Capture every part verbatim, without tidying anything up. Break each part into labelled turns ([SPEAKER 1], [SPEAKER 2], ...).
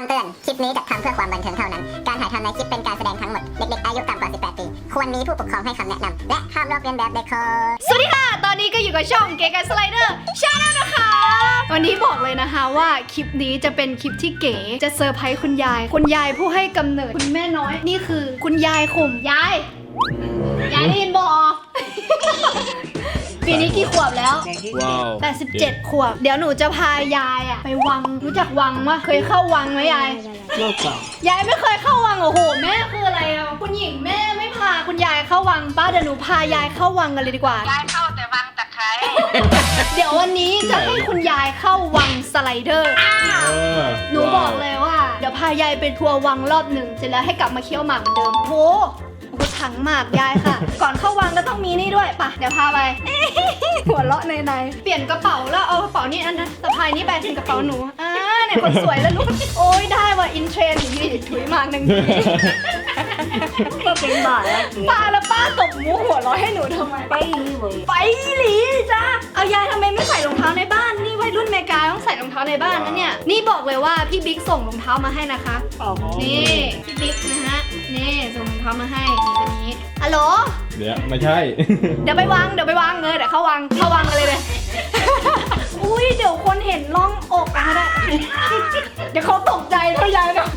[SPEAKER 1] เตือนคลิปนี้จัดทำเพื่อความบันเทิงเท่านั้น การถ่ายทำในคลิปเป็นการแสดงทั้งหมด เด็กๆอายุต่ำกว่า สิบแปด ปี ควรมีผู้ปกครองให้คำแนะนำ และห้ามลอกเลียนแบบเด็ดขาด
[SPEAKER 2] สวัสดีค่ะ ตอนนี้ก็อยู่กับช่องเก๋ไก่สไลเดอร์ชาแนลนะคะ วันนี้บอกเลยนะคะว่าคลิปนี้จะเป็นคลิปที่เก๋จะเซอร์ไพรส์คุณยาย คุณยายผู้ให้กำเนิดคุณแม่น้อย นี่คือคุณยายข่มยาย ยายได้ยินบอ ปีนี้กี่ขวบแล้ว
[SPEAKER 3] ว้าว
[SPEAKER 2] แปดสิบเจ็ดขวบ เดี๋ยวหนูจะพายายอะไปวัง รู้จักวังวะเคยเข้าวังไหมยาย
[SPEAKER 3] ไม่ใช่
[SPEAKER 2] ยายไม่เคยเข้าวังโอ้โหแม่คืออะไรอ่ะคุณหญิงแม่ไม่พาคุณยายเข้าวังป้าเดี๋ยวหนูพายายเข้าวังกันเลยดีกว่ายายเข้าแต่วังตะไคร้ เดี๋ยววันนี้จะให้คุณยายเข้าวังสไลเดอร์หนูบอกเลยว่าเดี๋ยวพายายไปทัวร์วังรอบหนึ่งเสร็จแล้วให้กลับมาเคี้ยวหมากเหมือนเดิมโหกูถังหมากยายค่ะ ก่อนเข้าวังก็ต้องมีนี่ด้วยป่ะเดี๋ยวพาไป หัวเราะในในเปลี่ยนกระเป๋าแล้วเอากระเป๋านี่อันนั้นสะพายนี่แบนเป็นกระเป๋าหนูอ่าเนี่ยคนสวยแล้วลูกโอ้ยได้ว่ะอินเทรนด์นี่ถุยมากหนึ่งที
[SPEAKER 3] ก็เป็นบาทแล้ว
[SPEAKER 2] ป้าแล้วป้าตบมุกหัวเราะให้หนูทำไม
[SPEAKER 3] ไปเลย
[SPEAKER 2] ไปหลีจ้าเอายายทำไมไม่ใส่รองเท้าในบ้านนี่วัยรุ่นเมกาต้องใส่รองเท้าในบ้านนะเนี่ยนี่บอกเลยว่าพี่บิ๊กส่งรองเท้ามาให้นะคะ
[SPEAKER 3] อ๋อ
[SPEAKER 2] นี่พี่บิ๊กนะฮะนี่ส่งรองเท้ามาให้นี่ตัวนี้ฮัลโหล
[SPEAKER 4] เดี๋ยวไม่ใช่
[SPEAKER 2] เดี๋ยวไปวางเดี๋ยวไปวางเลยเดี๋ยวเข้าวางเข้าวางกันเลยเลย อุ้ยเดี๋ยวคนเห็นร่องอกนะได้ เดี๋ยวเขาตกใจเท่ายายเนาะ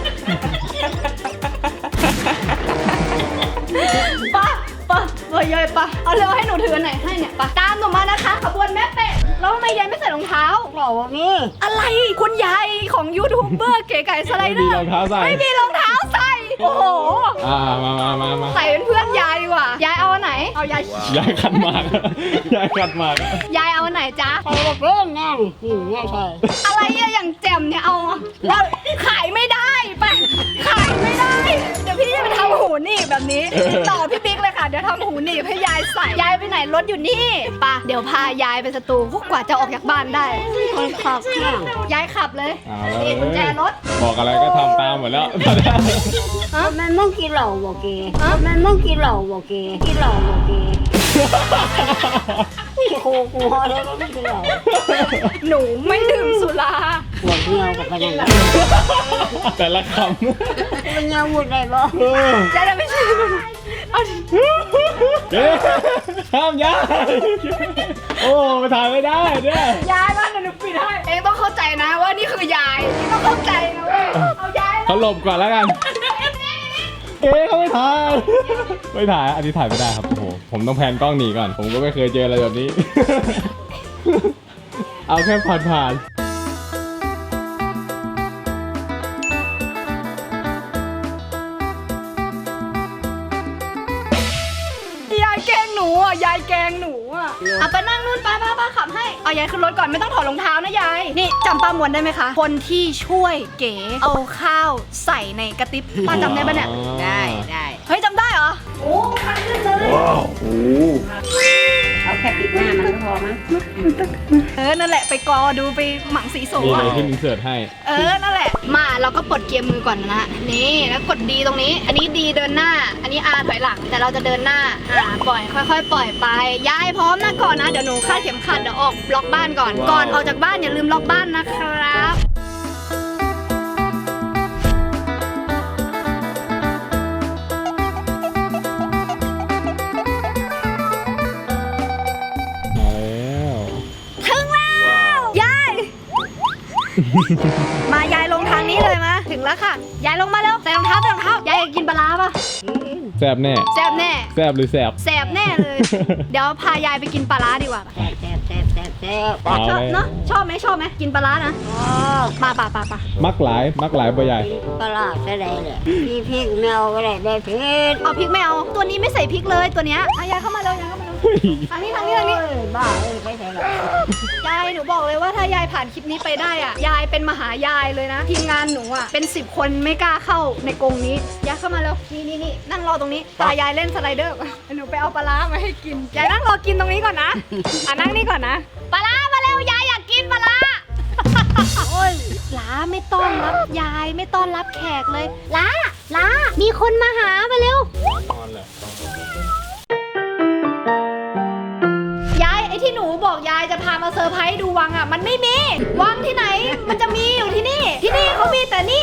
[SPEAKER 2] ป้าป้าเฮ้ยยายป้าเอาเร็วให้หนูถือไหนให้เนี่ยป้าตามหนูมานะคะขบวนแม่เป็ดแล้วทำไมยายไม่ใส่รองเท้า
[SPEAKER 3] บอกว่านี่
[SPEAKER 2] อะไรคุณยายของยูทูบเบอร์เก๋ไก่สไลเดอร์
[SPEAKER 4] ไม่มีรองเท้าใส่
[SPEAKER 2] ไม่มีรองเท้าใส่โอ้โห
[SPEAKER 4] อ่ามามามามา
[SPEAKER 2] ใส่เป็นเพื่อนยายดีกว่ายายเอาอันไหนเอายาย
[SPEAKER 4] ยายขัดหมาก ยายขัดหมาก
[SPEAKER 2] ยายเอาอันไหนจ๊ะ
[SPEAKER 3] ใครจะเป็นแน่นี่ไม่ใช่
[SPEAKER 2] อะไรอะอย่างแจ่มเนี่ยเอาแล้วขายไม่ได้ไปขายไม่ได้ เดี๋ยวพี่จะไปทำหูหนีบแบบนี้ติดต่อพี่บิ๊กเลยค่ะเดี๋ยวทำหูหนีบให้ยายใส่ยายไปไหนรถอยู่นี่ปะเดี๋ยวพายายไปสตูกว่าจะออกจากบ้านได้
[SPEAKER 3] คนขับเนี่ย
[SPEAKER 2] ยายขับเลย
[SPEAKER 4] เอาแล้ว
[SPEAKER 2] นี่กุญแจรถ
[SPEAKER 4] บอกอะไรก็ทำตามหมดแล้ว
[SPEAKER 3] มันไม่กินเหล้าบอกเกมันไม่กินเหล้าบอกเกกินเหล้าบอกเกพี่โคกูฮอแล้วก็ไม่กินเหล้า
[SPEAKER 2] หนูไม่ดื่มสุรา
[SPEAKER 3] หัวเงี้ยวกับพนัน
[SPEAKER 4] แต่ละค
[SPEAKER 3] มันเงี้ยวหมดเลยบ่
[SPEAKER 4] ำเออย
[SPEAKER 2] ายจะไม่ใช่เอาดิ
[SPEAKER 4] เอ๊ะห้ามยายโอ้ไปถ่ายไม่ได้เนี่ย
[SPEAKER 2] ยายบ้านเดี๋ยวหนูปิดให้เองต้องเข้าใจนะว่านี่คือยายนี่ต้องเข้าใจนะเว้ยเอายาย
[SPEAKER 4] เขาหลบก่อนแล้วกัน เอ๊ะเขาไม่ถ่าย ไม่ถ่าย อันนี้ถ่ายไม่ได้ครับ โอ้โห ผมต้องแพนกล้องหนีก่อน ผมก็ไม่เคยเจออะไรแบบนี้ เอาแค่ผ่านผ่าน
[SPEAKER 2] ยายแกล้งหนูอ่ะยายแกล้งหนูอ่ะเอาไปนั่งนู่นป้าป้าป้าขับให้เอายายขึ้นรถก่อนไม่ต้องถอดรองเท้านะยายนี่จำป้ามวนได้ไหมคะคนที่ช่วยเก๋เอาข้าวใส่ในกระติบป้าจำได้ปะเนี่ย
[SPEAKER 3] ได้ได้
[SPEAKER 2] เฮ้ยจำได้เหรอโอ้คันขึ้นเลย
[SPEAKER 4] ว้าวโอ้
[SPEAKER 3] เอาแค่ปิดหน้ามันก็พอมั้ง
[SPEAKER 2] เออนั่นแหละไปกอดูไปหมังสีโส
[SPEAKER 4] มีอะไร
[SPEAKER 2] อ่ะ
[SPEAKER 4] ที่อินเสิร์ตให้
[SPEAKER 2] เออนั่นแหละมาเราก็ปลดเกียร์มือก่อนนะนี่แล้วกดดีตรงนี้ อันนี้ดีเดินหน้า อันนี้อาถอยหลังแต่เราจะเดินหน้าอ่าปล่อยค่อยๆ ปล่อยไปยายพร้อมนะก่อนนะเดี๋ยวหนูคาดเข็มขัดเดี๋ยวออกล็อกบ้านก่อน
[SPEAKER 4] ว้าว
[SPEAKER 2] ก่อนออกจากบ้านอย่าลืมล็อกบ้านนะครับ
[SPEAKER 4] มาแล้ว
[SPEAKER 2] ถึงแล้วยาย มายายลงทางนี้เลยมาถึงแล้วค่ะยายลงมาเร็วใส่รองเท้าใส่รองเท้ายายอยากกินปลาร้าปะ
[SPEAKER 4] แซบแน่
[SPEAKER 2] แซบแน่
[SPEAKER 4] แซบหรือแซบ
[SPEAKER 2] แซบแน่เลย เดี๋ยวพายายไปกินปลาร้าดีกว่า
[SPEAKER 3] แซ่บแซ่บแซ่บแซ่บแซ่บ
[SPEAKER 4] เอา
[SPEAKER 2] ชอบ
[SPEAKER 4] เลย
[SPEAKER 2] เนาะชอบไหมชอบไหมกินปลาร้านะ
[SPEAKER 3] อ๋อ
[SPEAKER 2] ป่าป่าป่าป่า
[SPEAKER 4] มักหลาย มักหลายปะยาย
[SPEAKER 3] ปลาใช่ได้เลยพี่พริกแมวก็ได้ได้พริก
[SPEAKER 2] เอาพริกไม่เอาตัวนี้ไม่ใส่พริกเลยตัวเนี้ยอ่ะยายเข้ามาเร็วยายเข้ามาเร็ว
[SPEAKER 4] เฮ้ย
[SPEAKER 2] ทางนี้ทางนี้ทางนี้
[SPEAKER 3] โอ้ยบ้าเอ้ยไปใส่หรอก
[SPEAKER 2] ยายหนูบอกเลยว่าถ้ายายผ่านคลิปนี้ไปได้อ่ะยายเป็นมหายายเลยนะทีมงานหนูอ่ะเป็นสิบคนไม่กล้าเข้าในกรงนี้ยายเข้ามาเร็วนี่นี่นี่นั่งรอตรงนี้ตายายเล่นสไลเดอร์หนูไปเอาปลาร้ามาให้กินยายนั่งรอกินตรงนี้ก่อนนะอ่ะนั่งนี่ก่อนนะปลาร้ามาเร็วยายอยากกินปลาร้า โอ้ยล้าไม่ต้อนรับยายไม่ต้อนรับแขกเลยล้าล้ามีคนมาหามาเร็ว
[SPEAKER 4] นอนเลย
[SPEAKER 2] ยายไอ้ที่หนูบอกยายจะพามาเซอร์ไพรส์ดูวังอ่ะมันไม่มีวังที่ไหนมันจะมีอยู่ที่นี่ ที่นี่เขามีแต่นี่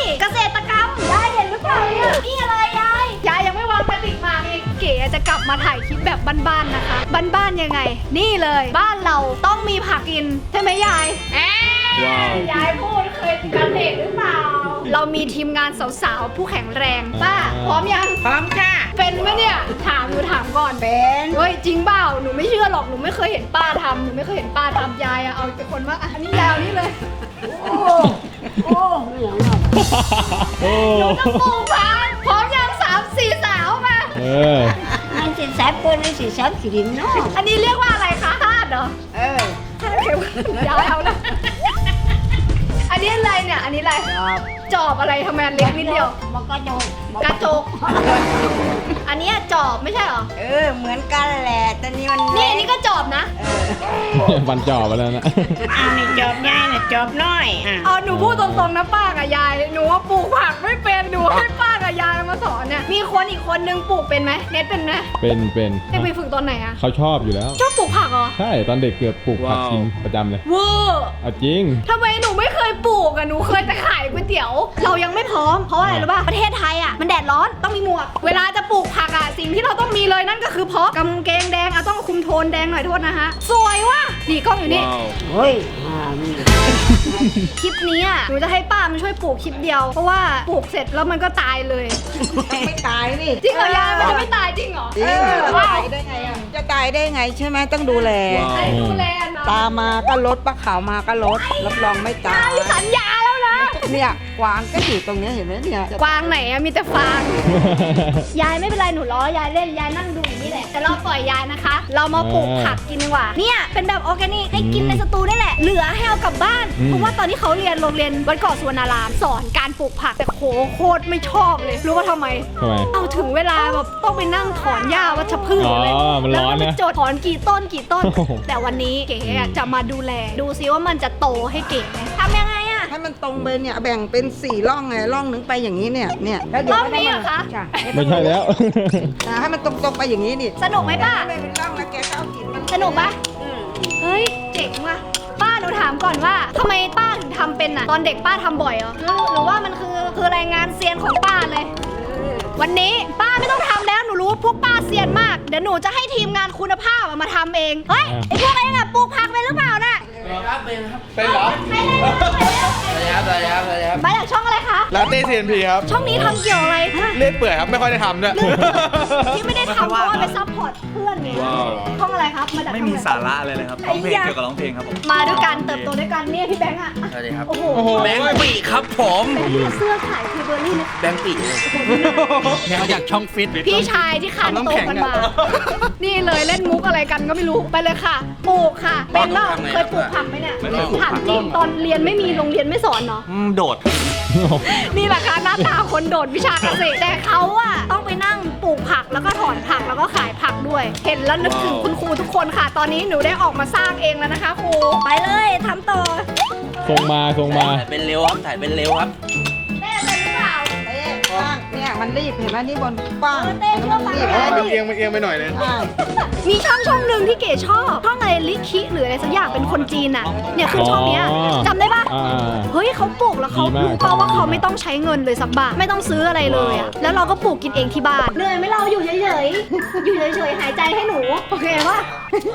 [SPEAKER 2] มาถ่ายคลิปแบบบ้านๆนะคะบ้านๆยังไงนี่เลยบ้านเราต้องมีผักกินใช่ไหมยายเอ๊ะ
[SPEAKER 4] ว้าว
[SPEAKER 2] ยายพูดเคยกันเด็กหรือเปล่าเรามีทีมงานสาวๆผู้แข็งแรงป้าพร้อมยัง
[SPEAKER 3] พร้อมค่ะ
[SPEAKER 2] เป็นไหมเนี่ยถามหนูถามก่อน
[SPEAKER 3] เป็น
[SPEAKER 2] เฮ้ยจริงเปล่าหนูไม่เชื่อหรอกหนูไม่เคยเห็นป้าทำหนูไม่เคยเห็นป้าทำยายอะเอาเป็นคนว่าอะอันนี้ยาวนี่เลย
[SPEAKER 3] โอ้โอ้เหลืองอ่ะ
[SPEAKER 4] โอ้
[SPEAKER 2] หนูจะปลูกผักพร้อมยังสามสี่สาวมา
[SPEAKER 4] เออ
[SPEAKER 3] มันสิแซบเปิ้ลนี่สิแซบขีดินเนาะ
[SPEAKER 2] อันนี้เรียกว่าอะไรคะธาตุเหรอ
[SPEAKER 3] เออ
[SPEAKER 2] ธาตุเข็มยาวเอาละอันนี้อะไรเนี่ยอันนี้อะไร
[SPEAKER 3] จอบ
[SPEAKER 2] จอบอะไรทำไมอันเล็กนิดเดียว
[SPEAKER 3] มันก็จบ
[SPEAKER 2] กระจก อันเนี้ยจอบไม่ใช่เหรอ
[SPEAKER 3] เออเหมือนกันแหละแต่นี่มัน
[SPEAKER 2] นี่อันนี้ก็จอบนะ
[SPEAKER 4] ฟันจ่อไปแล้วนะ
[SPEAKER 3] อันนี้จอบใหญ่น่ะจอบน้อยอ่ะ
[SPEAKER 2] เอาหนูพูดตรงๆนะป้ากับยาย หนูว่าปลูกผักไม่เป็นหนูให้ป้ากับยายมาสอนเนี่ย มีคนอีกคนนึงปลูกเป็นไหมเน็ตเป็นไหม
[SPEAKER 4] เป็นเป็น
[SPEAKER 2] ได้ไปฝึกตอนไหนอะ
[SPEAKER 4] เขาชอบอยู่แล้ว
[SPEAKER 2] ชอบปลูกผักเหรอ
[SPEAKER 4] ใช่ตอนเด็กเกือบปลูกผักกินประจำเลย
[SPEAKER 2] เวอร์
[SPEAKER 4] เอาจริง
[SPEAKER 2] ทำไมหนูไม่เคยปลูกอะหนูเคยแต่ขายก๋วยเตี๋ยว เรายังไม่พร้อมเพราะอะไรรู้ป่ะประเทศไทยอะมันแดดร้อนต้องมีหมวก เวลาจะปลูกผักอะสิ่งที่เราต้องมีเลยนั่นก็คือเพาะกางเกงแดงอะต้องคุมโทนแดงหน่อยโทษนะฮะสวยว่ะนี่กล้องอยู่นี่
[SPEAKER 3] เฮ้ยอ่ามี
[SPEAKER 2] คลิปนี้อ่ะหนูจะให้ป้ามันช่วยปลูกคลิปเดียว เพราะว่าปลูกเสร็จแล้วมันก็ตายเลย
[SPEAKER 3] ไม่ตายนี่
[SPEAKER 2] จริงเหรอยายมันจะไม่ตายจริงเหรอ
[SPEAKER 3] จริง
[SPEAKER 2] เออ
[SPEAKER 3] จะ
[SPEAKER 2] ว้า
[SPEAKER 3] ตายว ได้ไงอ่ะจะตายได้ไงใช่ไหมต้องดูแล
[SPEAKER 2] ใครดูแลนะ
[SPEAKER 3] ตามาก็ลดปลาขาวมาก็ลดรับรองไม่ตาย
[SPEAKER 2] สัญญาแล้วนะ
[SPEAKER 3] เนี่ยกวางก็อยู่ตรงเนี้ยเห็นไหมเนี่ย
[SPEAKER 2] กวางไหนอะมีแต่ฟาง ยายไม่เป็นไรหนูล้อยายเล่นยายนั่งดูอย่างนี้แหละแต่เราปล่อยยายนะคะ เรามาปลูกผักกินดีกว่าเนี่ยเป็นแบบออร์แกนิกให้กินในสตูนี่แหละ เหลือให้เอากลับบ้าน
[SPEAKER 4] อืม
[SPEAKER 2] เพราะว่าตอนที่เขาเรียนโรงเรียนวัดเกาะสุวรรณารามสอนการปลูกผักแต่โหโคตรไม่ชอบเลยรู้ว่าทำไม
[SPEAKER 4] ทำไม
[SPEAKER 2] เอาถึงเวลาแบบต้องไปนั่งถอนหญ้าวัชพืช
[SPEAKER 4] อ๋อ
[SPEAKER 2] เลย
[SPEAKER 4] มันร้อนนะ
[SPEAKER 2] แล้วก็ไปจดถอนกี่ต้นกี่ต้น
[SPEAKER 4] โอ้โห
[SPEAKER 2] แต่วันนี้เก๋อะจะมาดูแล ดูซิว่ามันจะโตให้เก๋ไหมทำยังไงอะ
[SPEAKER 3] ให้มันตรงไปเนี่ยแบ่งเป็นสี่ร่องไงร่องหนึงไปอย่างนี้เนี่ยเนี่ยแล้วเดี๋ยว
[SPEAKER 2] ร่องนี้เหรอคะ
[SPEAKER 3] จ้
[SPEAKER 4] ไม่ใช่แล้ว
[SPEAKER 3] อ่าให้มันตรงๆไปอย่างนี้นี่
[SPEAKER 2] สนุกไหมป้า
[SPEAKER 3] ไม่เป็นร่องแล้วแกก็เอากินมัน
[SPEAKER 2] สนุกปะ
[SPEAKER 3] อืม
[SPEAKER 2] เฮ้ยเจ๋งว่ะป้าหนูถามก่อนว่าทำไมป้าถึงทำเป็นอะตอนเด็กป้าทำบ่อยเหรอหรือหรือว่ามันคือคือรายงานเซียนของป้าเลย วันนี้ป้าไม่ต้องทำแล้วหนูรู้ว่าพวกป้าเซียนมากเดี๋ยวหนูจะให้ทีมงานคุณภาพอะมาทำเองเฮ้ยไอพวกเองอะปลูกผักเป็นหรือเปล่าน่ะ
[SPEAKER 5] เป็นเหรอ
[SPEAKER 2] ไปเลยไปเลย
[SPEAKER 5] สวัสดีครับสวัสดีครับสวัสดีครับ
[SPEAKER 2] มาจากช่องอะไรคะ
[SPEAKER 5] ลาเต้เซียนพีครับ
[SPEAKER 2] ช่องนี้ทำเกี่ยวอะไรฮะ
[SPEAKER 5] เล่นเปื่อยครับ ไม่ค่อยได้ทำด้วย
[SPEAKER 2] ที่ไม่ได้ทำเพราะว่าไปซัพพอร์ตเพื่อนไง
[SPEAKER 5] ว้าว
[SPEAKER 2] ช่องอะไรครับมาจาก
[SPEAKER 6] ไม่
[SPEAKER 2] ช่อง
[SPEAKER 6] มี
[SPEAKER 2] อะร
[SPEAKER 6] สาระเลยเลยครับร้องเพลงเกี่ยวกับร้องเพลงครับผม
[SPEAKER 2] มาด้วยกันเติบโตด้วยกันเนี่ยพี่แบงค์อะ
[SPEAKER 5] สวัสดีครับ
[SPEAKER 2] โอ้โห
[SPEAKER 5] โอ้โห แบงค์ปีครับผม
[SPEAKER 2] แบงค์เนี่ยเสื้อขายคือเบอร์รี่นะ
[SPEAKER 5] แบงค์ปี
[SPEAKER 6] เนี่ยมาจากช่องฟิต
[SPEAKER 2] พี่ชายที่คานโตกันมา นี่เลยเล่นมุกอะไรกันก็ไม่รู้ไปเลยค่ะปลูกค่ะเป็นเปล่าเคยปลูกผักไหมเนี่ยถามจริงตอนเรียนไม่มีโรงเรียนไม่สอนเนาะ
[SPEAKER 6] อืมโดด
[SPEAKER 2] นี่แหละค่ะหน้าตาคนโดดวิชาเกษตรแต่เขาอะต้องไปนั่งปลูกผักแล้วก็ถอนผักแล้วก็ขายผักด้วย เห็นแล้วนึกถึงคุณครูทุกคนค่ะ ตอนนี้หนูได้ออกมาสร้างเองแล้วนะคะครูไปเลยทำต่อ
[SPEAKER 4] ส่งมาส่งมา
[SPEAKER 5] ถ่ายเป็นเร็วครับ ถ่ายเป็นเร็วครับ
[SPEAKER 2] แม่เป็นหรือเปล่า
[SPEAKER 3] เต้ป้างเนี่ยมันรีบเห็นไหมนี่บนป้าง
[SPEAKER 2] เออเต้
[SPEAKER 3] อันนั้นมันรีบ
[SPEAKER 2] เชื่อ
[SPEAKER 3] เอ
[SPEAKER 2] ฟั
[SPEAKER 3] อง
[SPEAKER 5] มันเอียงมันเอียงไปหน่อยนึง
[SPEAKER 3] ใช่
[SPEAKER 2] มีช่องช่องหนึ่งที่เก๋ชอบช่องอะไรลิคิหรืออะไรสักอย่างเป็นคนจีนอะเนี่ยคือช่องเนี้ย
[SPEAKER 4] อ๋อ
[SPEAKER 2] จำได้ปะ
[SPEAKER 4] อ่า
[SPEAKER 2] เฮ้ยเขาปลูกแล้วเขา
[SPEAKER 4] ดีมาก
[SPEAKER 2] รู้ป่าว่าเขาไม่ต้องใช้เงินเลยสักบาทไม่ต้องซื้ออะไรเลยอะแล้วเราก็ปลูกกินเองที่บ้านเหนื่อยไหมเราอยู่เฉยๆอยู่เฉยๆหายใจให้หนูโอเคปะ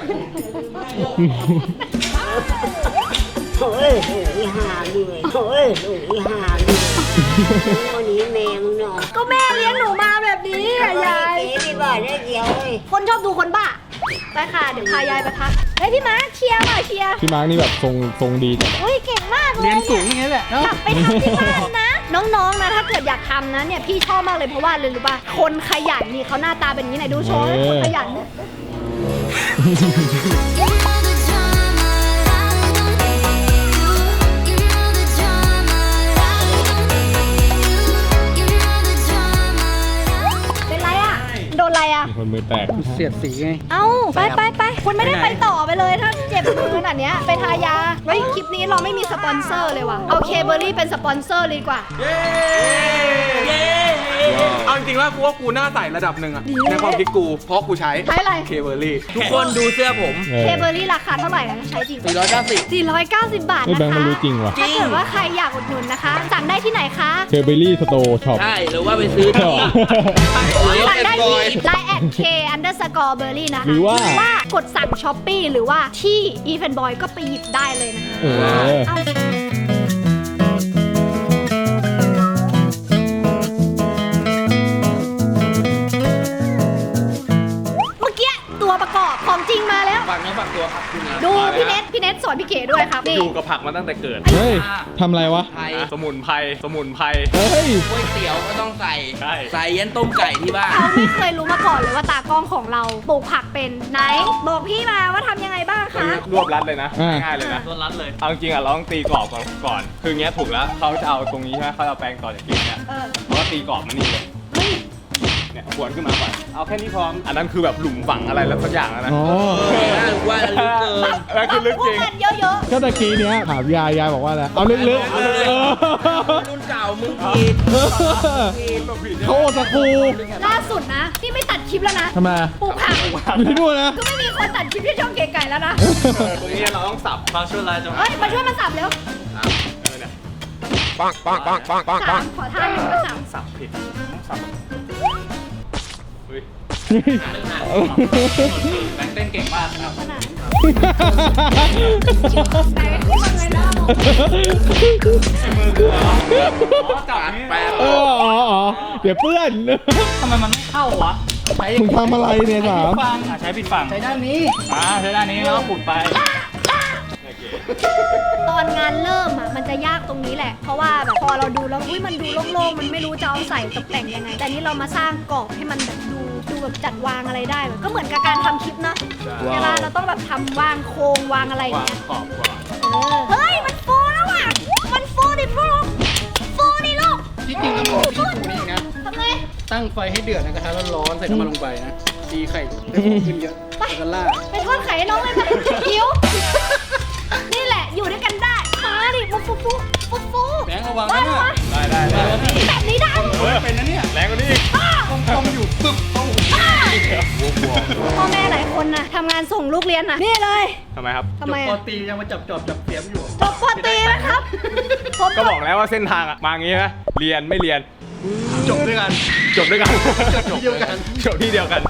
[SPEAKER 3] โอ้ยโอ้ยหาเลยโอ้ยโอ้ยหาเลยวันนี้แมงเนาะ
[SPEAKER 2] ก็แม่เลี้ยงหนูมาแบบนี้อะยาย
[SPEAKER 3] เจ๊ไม่บ้าได้เดียวเลย
[SPEAKER 2] คนชอบดูคนบ้าไปค่ะเดี๋ยวพายายไปพักเฮ้ยพี่มาร์คเชียร์หน่อยเชียร์
[SPEAKER 4] พี่มาร์กนี่แบบทรงทรงดีจัง
[SPEAKER 2] เฮ้ยเก่งมากเลย
[SPEAKER 6] เรียนสูงอย่างนี้แหละเนอะ
[SPEAKER 2] กลับไปทำที่บ้านนะ น้องๆนะถ้าเกิดอยากทำนะเนี่ยพี่ชอบมากเลยเพราะว่าเลยรู้ป่ะคนขยันนี่เขาหน้าตาเป็นอย่างนี้ไหนดูโชว์คนขยันเนี่ย เป็นไรอ่ะ โดนอะไรอ่ะ
[SPEAKER 4] มีคนมือแตก
[SPEAKER 6] เสียดสีไง
[SPEAKER 2] เอ้า ไปไปไปคุณไม่ได้ไปต่อไปเลยถ้าเจ็บมือขนาดเนี้ยไปทายาเฮ้ยคลิปนี้เราไม่มีสปอนเซอร์เลยว่ะเอาเคเบอรี่เป็นสปอนเซอร์เลยดีกว่า
[SPEAKER 5] เย้เอาจริงๆว่ากูว่ากูหน้าใสระดับหนึ่งอะในความคิดกูเพราะกูใช้
[SPEAKER 2] ใช้อะไร
[SPEAKER 5] เคเบอร์รี่
[SPEAKER 7] ทุกคนดูเสื้อผม
[SPEAKER 4] เอ
[SPEAKER 2] เค
[SPEAKER 4] อ
[SPEAKER 2] เบอรี่ราคาเท่าไหร่นะใช้จริง
[SPEAKER 7] สี่ร้อยเก้าสิบ
[SPEAKER 2] สี่ร้อยเก้าสิบบาท
[SPEAKER 4] ไอ้
[SPEAKER 2] นะ
[SPEAKER 4] แบงค์มัน
[SPEAKER 2] คะ
[SPEAKER 4] รู้จริงว่ะ
[SPEAKER 2] ถ้าเกิดว่าใครอยากอุดหนุนนะคะ สั่งได้ที่ไหนคะ
[SPEAKER 4] เคเบอรี่สโตร์ช็อป
[SPEAKER 7] ใช่หรือว่าไปซื้อที่
[SPEAKER 2] สั่งได้ที่ ไลน์ แอท เค อันเดอร์สกอร์เบอร์รี่นะคะ
[SPEAKER 4] หรือว่า
[SPEAKER 2] กดสั่งช้อปปี้หรือว่าที่ อีเฟนบอยก็ไปหยิบได้เลยนะคะ
[SPEAKER 4] เออ
[SPEAKER 2] เอาเมื่อกี้ตัวประกอบของจริงมาแล้ว
[SPEAKER 5] ฝากเนื้อฝากตัวครับคุณนะ
[SPEAKER 2] ดูพี่เน็ตพี่เน็ตสอนพี่เก๋ด้วยครับนี่
[SPEAKER 5] อยู่กับผักมาตั้งแต่เกิด
[SPEAKER 4] เฮ้ยทำอะไรวะ
[SPEAKER 7] ไทย
[SPEAKER 5] สมุนไพรสมุนไพร
[SPEAKER 4] เฮ้ย
[SPEAKER 7] ก๋วยเตี๋ยวก็ต้องใส่
[SPEAKER 5] ใช่
[SPEAKER 7] ใส่ยันต้มไก่ที่บ้าน
[SPEAKER 2] เขาไม่เคยรู้มาก่อนเลยว่าตากล้องของเราปลูกผักเป็นไหน บอกพี่มาว่าทำยังไงบ้างคะ
[SPEAKER 5] รวบรัดเลยนะ
[SPEAKER 4] อ่า
[SPEAKER 5] ง่ายเลยนะ
[SPEAKER 6] โดนรัดเลย
[SPEAKER 5] เอาจริงๆอะเราต้องตีกรอบก่อนก่อน คือเงี้ยถูกแล้วเขาจะเอาตรงนี้ใช่ไหมเขาจะเอาแปรงต่อจากกินเนี่ย
[SPEAKER 2] เออ
[SPEAKER 5] เขาก็ตีกรอบมันนี่เลย
[SPEAKER 2] เฮ้ย
[SPEAKER 5] เนี่ยขวนขึ้นมาก่อนเอาแค่นี้พร้อม อันนั้นคือแบบหลุมฝังอะไรแล้วสักอย่างแล้วนะ
[SPEAKER 4] อ๋อ
[SPEAKER 7] ว่าลึกเกิน
[SPEAKER 5] แล้วคือลึกจริง
[SPEAKER 2] พูดกันเยอะ
[SPEAKER 4] ก็ตะกี้เนี้ยถามยายยายบอกว่าอะไร เอาลึกๆเออ
[SPEAKER 7] รุ่นเก่ามึงผิด
[SPEAKER 4] เขาโอสักคู
[SPEAKER 2] ๆ ล่าสุดนะ นี่ไม่ตัดคลิปแล้วนะ
[SPEAKER 4] ทำไม
[SPEAKER 2] ปลูกผัก
[SPEAKER 4] อยู่ที่นู่นนะ
[SPEAKER 2] ก็ไม่มีคนตัดคลิปที่ช่องเก๋ไก่แล้วนะ
[SPEAKER 5] ตรงนี้เราต้องสับ
[SPEAKER 6] ความชั่วร้ายจะมา
[SPEAKER 2] เฮ้ย มาช่วยมาสับเร็ว
[SPEAKER 5] เออเนี่ย
[SPEAKER 2] สามขอท่าหนึ่งก็สาม
[SPEAKER 5] สับผิดสับเฮ้ย
[SPEAKER 6] แบงค์เต้นเก่งมากครับ
[SPEAKER 2] ขนาดแต่ขึ้นมาเลยนะ
[SPEAKER 5] จับแปะ
[SPEAKER 4] เอออ๋ออ๋อเดี๋ยวเปื้อน
[SPEAKER 6] ทำไมมันไม่เข้าวะ ใช้
[SPEAKER 4] มึงทำอะไรเนี่ยถาม
[SPEAKER 6] ฝั่งใช้ผิดฝั่ง ใช้ด้านนี้ อ่าใช้ด้านนี้แล้วก็ขุดไป
[SPEAKER 2] ตอนงานเริ่มอ่ะมันจะยากตรงนี้แหละ เพราะว่าแบบพอเราดูแล้วอุ้ยมันดูโล่งๆ มันไม่รู้จะเอาใส่ตกแต่งยังไง แต่นี้เรามาสร้างกรอบให้มันแบบดูดูแบบจัดวางอะไรได้แบบก็เหมือนกับการทำคลิปเนอะเวลาเราต้องแบบทำวางโครงวางอะไรอย่าง
[SPEAKER 5] วาง
[SPEAKER 2] เงี้ย
[SPEAKER 5] ขอบก่อน
[SPEAKER 2] เออเฮ้ย มันฟูแล้วอ่ะ มันฟูดิฟูฟูดิลูก
[SPEAKER 6] ที่จริงต้องบอกพี่ปูนี่นะ
[SPEAKER 2] ทำไง
[SPEAKER 6] ตั้งไฟให้เดือดในกระทะร้อนๆใส่น้ำมันลงไปนะตีไข่ได้ฟองขึ้นเยอะแล้วก็ล่าด
[SPEAKER 2] ไปทอดไข่ให้น้องเลยค่ะหิว นี่แหละอยู่ด้วยกันได้มาดิฟูฟูฟูฟูฟู
[SPEAKER 6] แบงค์ระวัง
[SPEAKER 2] ได้
[SPEAKER 6] นะ
[SPEAKER 2] ไหม
[SPEAKER 6] เนี่ย
[SPEAKER 5] ได้ได้ได้
[SPEAKER 2] แบบนี้ได้
[SPEAKER 5] เฮ้ยเป็นนะเนี่ยแรงกว่านี้อีก
[SPEAKER 6] ต้มอยู่ปึ๊บต้อง
[SPEAKER 2] พ่อแม่หลายคนนะทำงานส่งลูกเรียนนะนี่เลย
[SPEAKER 5] ทำไมครับ
[SPEAKER 2] ทำไม
[SPEAKER 6] ปอ
[SPEAKER 2] อะ
[SPEAKER 6] ตียังมาจับจอบจับเสียมอยู่
[SPEAKER 2] จบปอตรีนะครับผม
[SPEAKER 5] ก็บอกแล้วว่าเส้นทางอะมาอย่างงี้นะเรียนไม่เรียน
[SPEAKER 6] จบด้วยกัน
[SPEAKER 5] จบด้วยกัน
[SPEAKER 6] จบที่เดียวกัน
[SPEAKER 5] จบที่เดียวกัน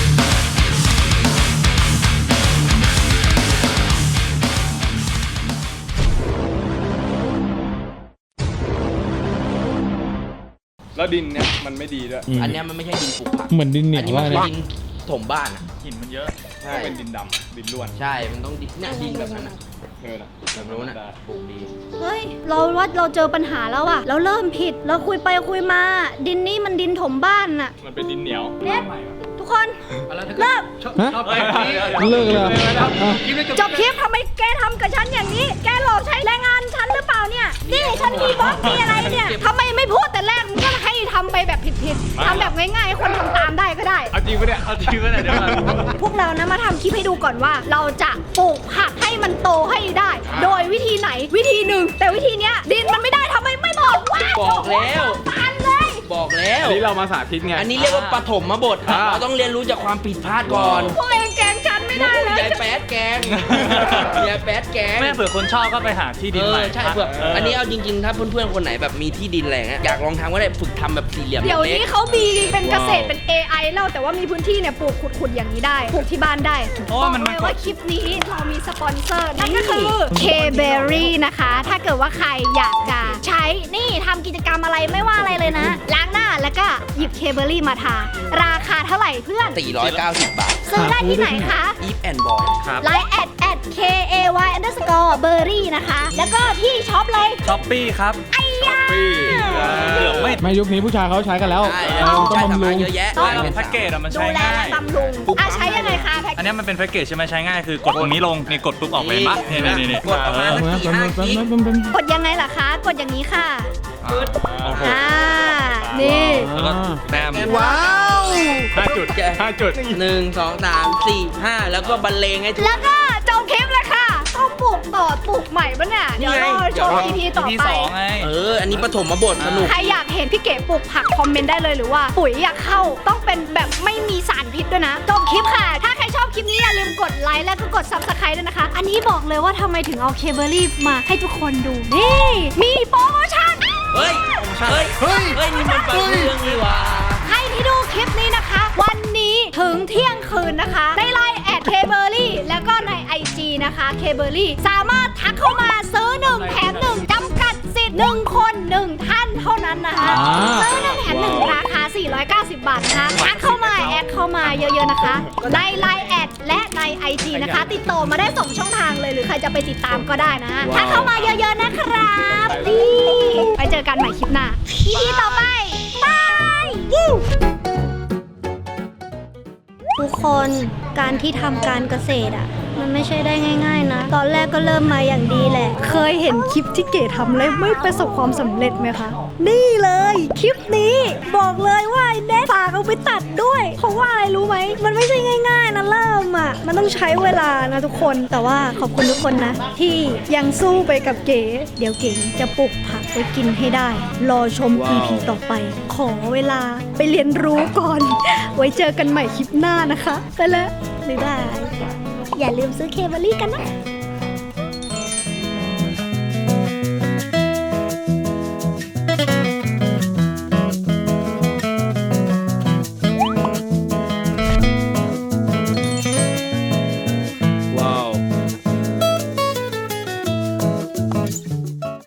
[SPEAKER 5] แล้วดินเนี่ยมันไม่ดีด้วย
[SPEAKER 7] อันเนี้ยมันไม่ใช่ดินปลูกผัก
[SPEAKER 4] เหมือนดินเหนี
[SPEAKER 7] อั
[SPEAKER 4] ย
[SPEAKER 7] น
[SPEAKER 4] ว
[SPEAKER 7] นี้มั
[SPEAKER 4] ว่าน
[SPEAKER 7] คือ
[SPEAKER 4] เนี่ย
[SPEAKER 7] ดินถมบ้านอ่ะ
[SPEAKER 6] หินมันเยอะ
[SPEAKER 5] ใช่เป็นดินดำดินล้วน
[SPEAKER 7] ใช่ มันต้องดินเนี่ยดินแบบนั้นอ่ะ
[SPEAKER 5] เออนะ
[SPEAKER 7] แบบนู้นอ่ะปลูกดี
[SPEAKER 2] เฮ้ยเราว่าเราเจอปัญหาแล้วอะเราเริ่มผิดเราคุยไปคุยมา ดินนี่มันดินถมบ้านน่ะ
[SPEAKER 5] มันเป็นดินเหนียว
[SPEAKER 2] เน็ตทุกคน
[SPEAKER 6] แล้วถ้า
[SPEAKER 2] เลิก
[SPEAKER 6] ชอบ
[SPEAKER 4] ฮะ
[SPEAKER 6] ชอบไปนี้
[SPEAKER 4] เลิกเลยเหรออ่ะ
[SPEAKER 6] คลิปนี้
[SPEAKER 2] จบคลิปทำไมแกทำกับฉันอย่างนี้ แกหลอกใช้แรงงานฉันหรือเปล่าเนี่ย นี่ฉันมีบล็อกมีอะไรเนี่ยทำไมไม่พูดแต่แรกมึงก็ให้ทำไปแบบผิดๆทำแบบง่ายๆให้คนทำตามได้ก็ได้
[SPEAKER 5] เอาจริงปะเนี่ย
[SPEAKER 6] เอาจริงก็ได้เดี๋ยวก่อน
[SPEAKER 2] พวกเรานะมาทำคลิปให้ดูก่อนว่า เราจะปลูกผักให้มันโตให้ได้ โดยวิธีไหนวิธีหนึ่งแต่วิธีเนี้ยดินมันไม่ได้ทำไมไม่บอกวะ
[SPEAKER 7] บอกแล้ว
[SPEAKER 2] ตานเลย
[SPEAKER 7] บอกแล้ว
[SPEAKER 5] อันนี้เรามาสาธิตไง
[SPEAKER 7] อันนี้เรียกว่าปฐมบท
[SPEAKER 5] อ่า
[SPEAKER 7] เราต้องเรียนรู้จากความผิดพลาดก่อน
[SPEAKER 2] พวกเองแกล้งฉันไม่ได้เลย
[SPEAKER 7] ยายแป๊ดแกงยายแป๊ดแกง
[SPEAKER 6] แม่เผื่อคนชอบก็ไปหาที่ดิน
[SPEAKER 7] เอ
[SPEAKER 6] ใหม่
[SPEAKER 7] อใช่เผื่ออันนี้เอาจริงๆ ถ้าเพื่อนๆ คนไหนแบบมีที่ดินอะไรอย่างเงี้ยอยากลองทำก็ได้ฝึกทำแบบสี่เหลี่ยม
[SPEAKER 2] เดี๋ยว
[SPEAKER 7] เล็
[SPEAKER 2] นี้
[SPEAKER 7] ก
[SPEAKER 2] เขามีเป็นเกษตรเป็น เอ ไอ แล้วแต่ว่ามีพื้นที่เนี่ยปลูกขุดๆอย่างนี้ได้ปลูกที่บ้านได้
[SPEAKER 6] เพราะ
[SPEAKER 2] บ
[SPEAKER 6] ว่า
[SPEAKER 2] อก
[SPEAKER 6] มัน
[SPEAKER 2] เล
[SPEAKER 6] มัน
[SPEAKER 2] ย
[SPEAKER 6] ก
[SPEAKER 2] ว่า
[SPEAKER 6] ด
[SPEAKER 2] คลิปนี้เรามีสปอนเซอร์นั่นก็คือ K-Berry นะคะ ถ้าเกิดว่าใครอยากจะใช้นี่ทำกิจกรรมอะไรไม่ว่าอะไรเลยนะ ล้างหน้าแล้วก็หยิบ K-Berry มาทา ราคาเท่าไหร่เพื่อน
[SPEAKER 7] สี่ร้อยเก้าสิบบาท
[SPEAKER 2] ซื้อได้ที่ไหนคะ
[SPEAKER 7] อีฟแอนด์บอย
[SPEAKER 6] ครับ
[SPEAKER 2] ไลน์แอดแอด K A Y underscore berry นะคะ แล้วก็ที่ช็อปเลย
[SPEAKER 6] ช้อปปี้ครับ
[SPEAKER 2] ไอ้ยา
[SPEAKER 5] ปี
[SPEAKER 6] เกือบไม่
[SPEAKER 4] ไม่ยุคนี้ผู้ชายเขาใช้กันแล้ว
[SPEAKER 7] ใช่
[SPEAKER 4] เออต้อง
[SPEAKER 7] ใช่
[SPEAKER 4] บำ
[SPEAKER 7] ทำ
[SPEAKER 4] รุ
[SPEAKER 7] มาง เยอะแยะ
[SPEAKER 2] ต้อง
[SPEAKER 6] แล้วแพ็กเกจอะมัน
[SPEAKER 2] ดู
[SPEAKER 6] ใช้
[SPEAKER 2] แล
[SPEAKER 6] ง่า
[SPEAKER 2] และ
[SPEAKER 6] ย
[SPEAKER 2] บำรุงอ่ะใช้ยังไงคะแพ็ค
[SPEAKER 6] อันนี้มันเป็นแพ็กเกจใช่ไหมใช้ง่ายคือกดตรงนี้ลงนี่กดปุ๊บออกเลยปะนี่นี่นี่
[SPEAKER 7] กดออกมา
[SPEAKER 4] เอามาแป๊บนึงแป๊บนึงแป๊บนึง
[SPEAKER 2] กดยังไงล่ะคะ กดอย่างนี้ค่ะ
[SPEAKER 6] โอ้โห
[SPEAKER 2] อ่า นี่
[SPEAKER 6] แล้วก็แต้ม
[SPEAKER 7] ว้าว
[SPEAKER 5] ห้าจุดห้าจุด
[SPEAKER 7] หนึ่งสองสามสี่ห้าแล้วก็บรรเลงให้ทุก
[SPEAKER 2] แล้วก็จบคลิปเลยค่ะ ต้องปลูกต่อปลูกใหม่ปะเนี่ย เดี๋ยวรอชม อี พี ต่อไป
[SPEAKER 7] เออ อันนี้ปฐมบทสนุก
[SPEAKER 2] ใครอยากเห็นพี่เก๋ปลูกผักคอมเมนต์ได้เลยหรือว่าปุ๋ยอยากเข้าต้องเป็นแบบไม่มีสารพิษด้วยนะจบคลิปค่ะ ถ้าใครชอบคลิปนี้อย่าลืมกดไลค์และก็กด ซับสไครบ์ ด้วยนะคะ อันนี้บอกเลยว่าทำไมถึงเอาเคเบิลลี่มาให้ทุกคนดูนี่มีโปรโมชั่น
[SPEAKER 7] เฮ้ย เฮ้ย เฮ้ย เฮ้ย นี่มันเปิดเรื่องนี่หว่า
[SPEAKER 2] ใครที่ดูคลิปนี้นะคะ วันนี้ถึงเที่ยงคืนนะคะในไลน์แอดเคเบิลลี่แล้วก็ใน ไอ จี นะคะเคเบิลลี่สามารถทักเข้ามาซื้อหนึ่งแถมหนึ่งจำกัดสิทธิ์หนึ่งคนหนึ่งท่านเท่านั้นนะคะซื้อหนึ่งแถมหนึ่งราคา สี่ร้อยเก้าสิบ บาทนะคะทักเข้ามาแอดเข้ามาเยอะๆนะคะในไลน์แอดและใน ไอ จี นะคะ ติดต่อมาได้สองช่องทางเลยหรือใครจะไปติดตามก็ได้นะทักเข้ามาเยอะๆนะครับนี่ไปเจอกันใหม่คลิปหน้า อี พี ต่อไปบายวู้ทุกคนการที่ทำการเกษตรอ่ะมันไม่ใช่ได้ง่ายๆนะตอนแรกก็เริ่มมาอย่างดีแหละเคยเห็นคลิปที่เก๋ทำแล้วไม่ประสบความสำเร็จไหมคะนี่เลยคลิปนี้บอกเลยว่าไอ้เน็ตฝากเอาไปตัดด้วยเพราะว่าอะไรรู้ไหมมันไม่ใช่ง่ายๆนะเริ่มอ่ะมันต้องใช้เวลานะทุกคนแต่ว่าขอบคุณทุกคนนะที่ยังสู้ไปกับเก๋เดี๋ยวเก๋จะปลูกผักไว้กินให้ได้รอชม อี พี ต่อไปขอเวลาไปเรียนรู้ก่อนไว้เจอกันใหม่คลิปหน้านะคะไปแล้วบ๊ายบายอย่าลืมซื้อเคเบิลลี่กันนะ